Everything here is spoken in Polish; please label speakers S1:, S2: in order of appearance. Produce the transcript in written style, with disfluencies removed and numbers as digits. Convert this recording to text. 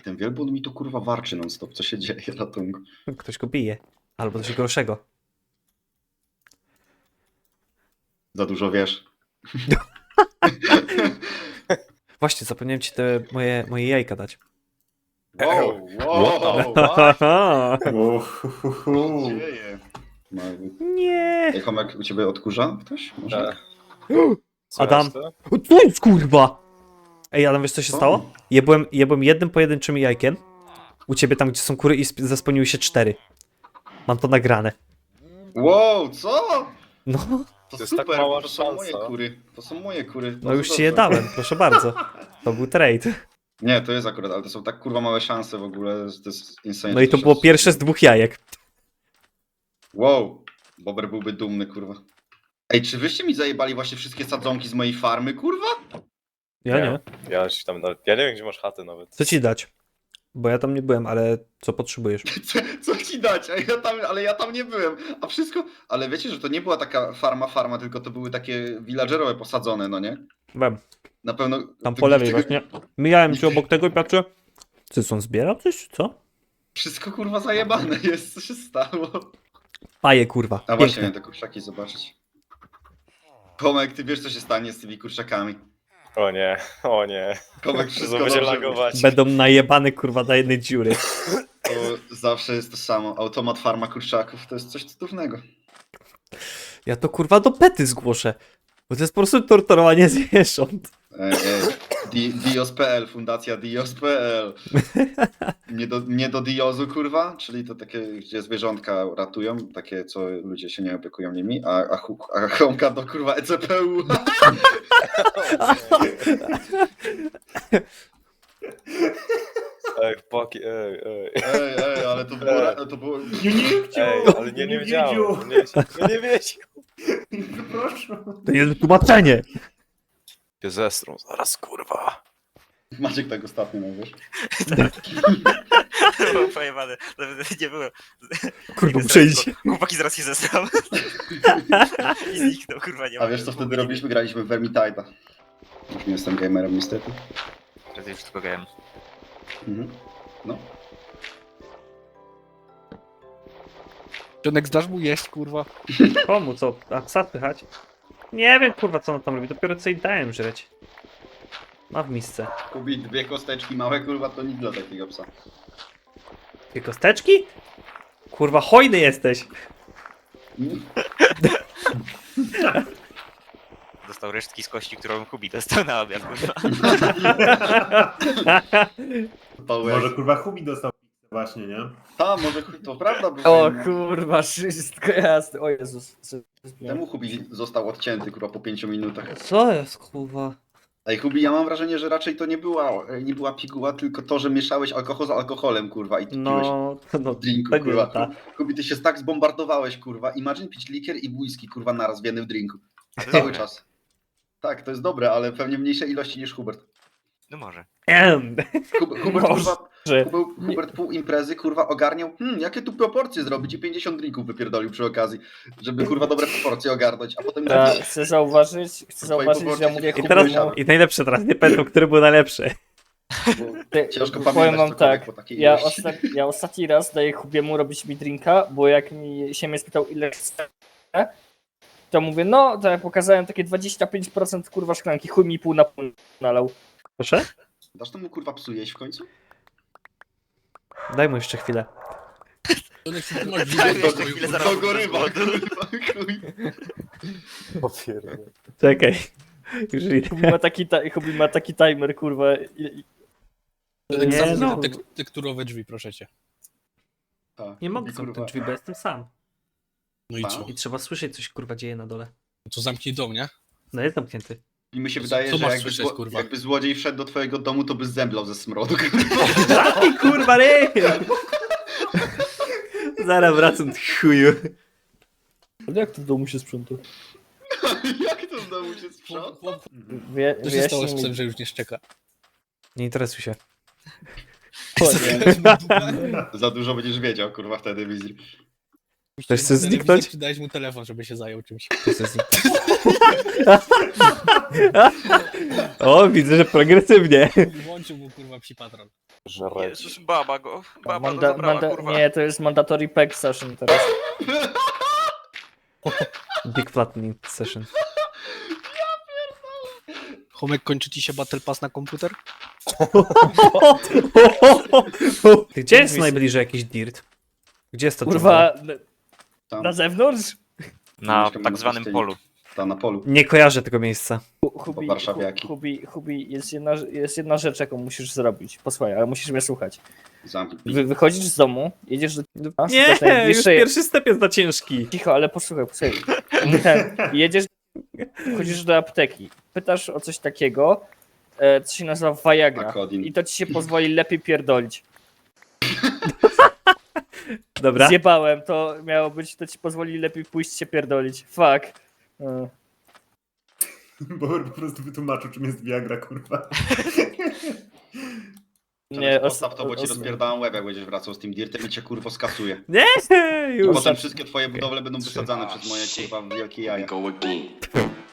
S1: Ten wielbłąd mi tu kurwa warczy non stop, co się dzieje, ratunku.
S2: Ktoś go bije. Albo coś gorszego.
S1: Za dużo wiesz.
S2: Właśnie, zapomniałem ci te moje jajka dać.
S1: Wow, wow, co się dzieje?
S2: Nie.
S1: Ej, Homek, u ciebie odkurza ktoś? Może?
S2: Adam. O, co jest kurwa? Ej, Adam, wiesz co się stało? Jebłem jednym pojedynczym jajkiem. U ciebie tam, gdzie są kury i zaspełniły się 4. Mam to nagrane.
S1: Wow, co?
S2: No,
S1: To
S3: jest
S1: super,
S3: tak mała
S1: to są moje
S3: szansa.
S1: kury. To są moje kury.
S2: no
S1: Bardzo
S2: już ci je
S1: dobrze.
S2: dałem, proszę bardzo. To był trade.
S1: Nie, to jest akurat, ale to są tak kurwa małe szanse w ogóle, to jest insane.
S2: No i to było pierwsze z 2 jajek.
S1: Wow, Bober byłby dumny, kurwa. Ej, czy wyście mi zajebali właśnie wszystkie sadzonki z mojej farmy, kurwa?
S2: Ja nie.
S3: Ja się tam nawet, ja nie wiem, gdzie masz chatę nawet.
S2: Co ci dać? Bo ja tam nie byłem, ale co potrzebujesz?
S1: Co ci dać? Ale ja tam nie byłem. A wszystko... Ale wiecie, że to nie była taka farma, tylko to były takie villagerowe posadzone, no nie?
S2: Byłem.
S1: Na pewno...
S2: Tam
S1: to
S2: po lewej
S1: tego-
S2: właśnie. Mijałem cię obok tego i patrzę. Ty są zbierał coś, czy co?
S1: Wszystko kurwa zajebane jest, co się stało?
S2: Paje kurwa.
S1: A właśnie,
S2: Piękne.
S1: miałem te kurczaki zobaczyć. Tomek, ty wiesz co się stanie z tymi kurczakami.
S3: O nie, o nie.
S1: Tomek,
S3: To
S1: wszystko
S3: będzie
S1: dobrze.
S3: lagować.
S2: Będą najebane kurwa do jednej dziury.
S1: To zawsze jest to samo. Automat farma kurczaków to jest coś cudownego.
S2: Ja to kurwa do pety zgłoszę. Bo to jest po prostu torturowanie zwierząt.
S1: Dios.pl, fundacja Dios.pl. Nie do Diozu, kurwa, czyli to takie, gdzie zwierzątka ratują, takie, co ludzie się nie opiekują nimi, a Homka do kurwa ECPU.
S3: Ej, chłopaki, ej.
S1: Ej, ale to było...
S3: Ej, ale nie wiedziałem. Nie wiedział.
S2: To jest tłumaczenie.
S3: Się zestrą zaraz, kurwa.
S1: Maciek tak ostatnio, no wiesz.
S4: Było pojebane. Nawet nie było.
S2: Kurwa, muszę iść.
S4: Chłopaki zaraz się zesrał. I zniknął, kurwa, nie ma.
S1: A wiesz co wtedy robiliśmy? Graliśmy w Vermintide. Już nie jestem gamerem niestety.
S4: Wtedy już tylko grałem.
S1: Mhm. No.
S5: Jonek, zdasz mu jeść, kurwa?
S2: Komu co? A psa pychać? Nie wiem kurwa co on tam robi. Dopiero co jej dałem żreć. Ma w misce.
S1: Kubi, 2 kosteczki małe, kurwa, to nic dla takiego psa.
S2: 2 kosteczki? Kurwa hojny jesteś.
S4: Dostał resztki z kości, którą Kubi dostał na obiad, kurwa.
S6: Może kurwa Hubi dostał pizzę właśnie, nie?
S1: A, może to prawda, bo
S7: O kurwa, wszystko jasne. O Jezus.
S1: temu Hubi został odcięty, kurwa, po 5 minutach.
S2: Co jest kurwa?
S1: Ej, Hubi, ja mam wrażenie, że raczej to nie była piguła, tylko to, że mieszałeś alkohol z alkoholem, kurwa, i ty piłeś
S2: No,
S1: w drinku,
S2: to nie
S1: kurwa.
S2: ta.
S1: Hubi, ty się tak zbombardowałeś, kurwa. Imagine pić likier i whisky, kurwa, naraz w jednym drinku.
S4: A to
S1: Cały
S4: dobre.
S1: czas. Tak, to jest dobre, ale pewnie mniejsze ilości niż Hubert.
S4: No może.
S1: Hubert, kurwa,
S2: Że-
S1: Hubert pół imprezy, kurwa, ogarniał, jakie tu proporcje zrobić i 50 drinków wypierdolił przy okazji, żeby, kurwa, dobre proporcje ogarnąć, a potem...
S7: Chcę zauważyć, że ja mówię
S2: I teraz,
S7: Hubiemu,
S2: i najlepsze teraz, nie pamiętam, który był najlepszy.
S1: Ciężko
S7: powiem
S1: pamiętać
S7: wam
S1: cokolwiek
S7: tak,
S1: po takiej
S7: ja,
S1: ilości.
S7: ja ostatni raz daję Hubiemu robić mi drinka, bo jak się mnie spytał ile chcę, to mówię, no, to ja pokazałem takie 25% kurwa szklanki, chuj mi pół na pół nalał.
S2: Proszę?
S1: Dasz temu, kurwa, psu jeść w końcu?
S2: Daj mu jeszcze chwilę.
S5: Jonek, ty masz
S4: Tak,
S5: widzę
S4: jeszcze chwilę zaraz.
S1: To gorywa, kurwa, chuj.
S3: Popierdolę.
S2: Czekaj. Już idę.
S7: Hubi ma taki timer, kurwa.
S5: Jonek,
S2: Nie,
S5: zamknij
S2: no.
S5: te tekturowe drzwi, proszę cię.
S1: Tak,
S2: Nie mogę
S1: Hubi,
S2: zamknąć drzwi, bo jestem sam.
S5: No i
S1: Pa.
S5: co?
S2: I trzeba słyszeć, coś kurwa dzieje na dole.
S5: No to zamknij dom, nie?
S2: No jest zamknięty.
S1: I mi się
S5: Co
S1: wydaje, że
S5: masz
S1: jakby,
S5: słyszeć, kurwa?
S1: jakby złodziej wszedł do twojego domu, to by zemdlał ze smrodu.
S2: Zamknij kurwa ryj! Zaraz wracam, ty chuju.
S7: Ale jak to w domu się sprząta?
S1: Jak to w domu się sprząta?
S5: Chłop, co się stało z
S7: Wyjaśnij
S5: psem,
S7: mi.
S5: że już nie szczeka?
S2: Nie interesuj się.
S1: Za dużo będziesz wiedział, kurwa, wtedy wizji.
S2: Ktoś chce zniknąć?
S5: Dałeś mu telefon, żeby się zajął czymś.
S2: To jest O, widzę, że progresywnie.
S5: Włączył mu kurwa psi patron.
S3: Żreć.
S4: Jezus, baba go zabrała, kurwa.
S7: Nie, to jest mandatory pack session teraz.
S2: Big Flattening Session.
S5: Homek, kończy ci się Battle Pass na komputer?
S2: Ty, gdzie jest najbliżej jakiś dirt? Gdzie jest to
S7: Kurwa,
S1: Tam,
S7: na zewnątrz?
S4: Na
S1: Mieszkam
S4: tak
S1: na
S4: zwanym
S1: pustyni.
S4: polu.
S1: tam na polu.
S2: Nie kojarzę tego miejsca.
S7: Hubi,
S1: warszawiaki.
S7: Hubi, jest jedna rzecz, jaką musisz zrobić. Posłuchaj, ale musisz mnie słuchać.
S1: Zamknij.
S7: Wychodzisz z domu, jedziesz do...
S2: Nie,
S7: szukasz
S2: już
S7: najbliższej-
S2: pierwszy step jest za ciężki.
S7: Cicho, ale posłuchaj. Jedziesz, chodzisz do apteki, pytasz o coś takiego, co się nazywa Viagra.
S1: Akodin.
S7: I to ci się pozwoli lepiej pierdolić.
S2: Dobra.
S7: Zjebałem, to miało być, to ci pozwoli lepiej pójść się pierdolić. Fuck.
S6: Bo po prostu wytłumaczył, czym jest Viagra, kurwa.
S7: Nie,
S1: Postaw to, bo ci rozpierdalam łeb, jak będziesz wracał z tym dirtem i cię kurwo skasuje.
S2: Nie, już.
S1: Potem wszystkie twoje budowle będą wysadzane przez moje kurwa wielkie jaja.